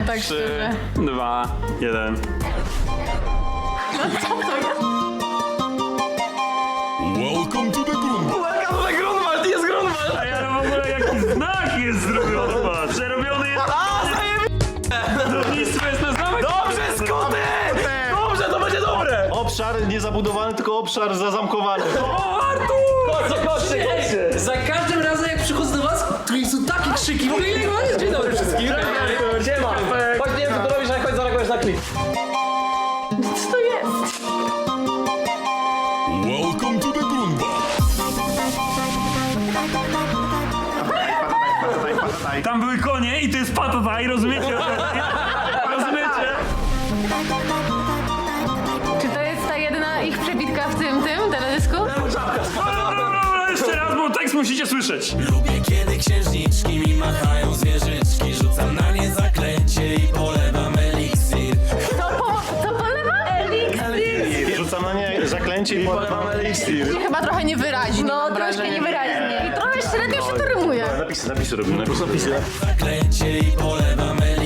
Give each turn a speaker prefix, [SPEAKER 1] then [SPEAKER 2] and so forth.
[SPEAKER 1] tak
[SPEAKER 2] 3,
[SPEAKER 1] szczerze.
[SPEAKER 2] 2, 1.
[SPEAKER 3] Welcome to the Grunwald.
[SPEAKER 2] Welcome to the Grunwald, jest Grunwald!
[SPEAKER 4] A ja mam w ogóle jaki znak jest zrobiony, patrz. Przerobiony jest... Budownictwo jest na zamek.
[SPEAKER 2] Dobrze, Skuty! Dobrze, to będzie dobre!
[SPEAKER 5] Obszar nie zabudowany, tylko obszar zazamkowany.
[SPEAKER 4] O, Artur!
[SPEAKER 2] Chodźcie!
[SPEAKER 6] Za każdym razem jak przychodzę do was, to są takie krzyki. W ogóle ile macie? Dzień dobry wszystkim.
[SPEAKER 2] Siema! Chodź, nie wiem co tu robisz, ale chodź zareagujesz na klip.
[SPEAKER 1] Co to jest?
[SPEAKER 3] Welcome to the Grunwald.
[SPEAKER 4] Tam były konie i to jest patataj, rozumiecie? Rozumiecie?
[SPEAKER 1] Czy to jest ta jedyna ich przebitka w tym teledysku?
[SPEAKER 4] Dobra, jeszcze raz, bo tekst musicie słyszeć.
[SPEAKER 7] Lubię kiedy księżniczki mi machają zwierzyczki. Rzucam na nie zaklęcie i polewam eliksir.
[SPEAKER 1] To polewa eliksir.
[SPEAKER 5] Rzucam na nie zaklęcie i polewam eliksir.
[SPEAKER 1] Chyba trochę niewyraźnie. No, troszkę niewyraźnie. I trochę średnio się to rymuje.
[SPEAKER 5] Napisy robimy. Napisy.
[SPEAKER 7] Zaklęcie i polewam eliksir.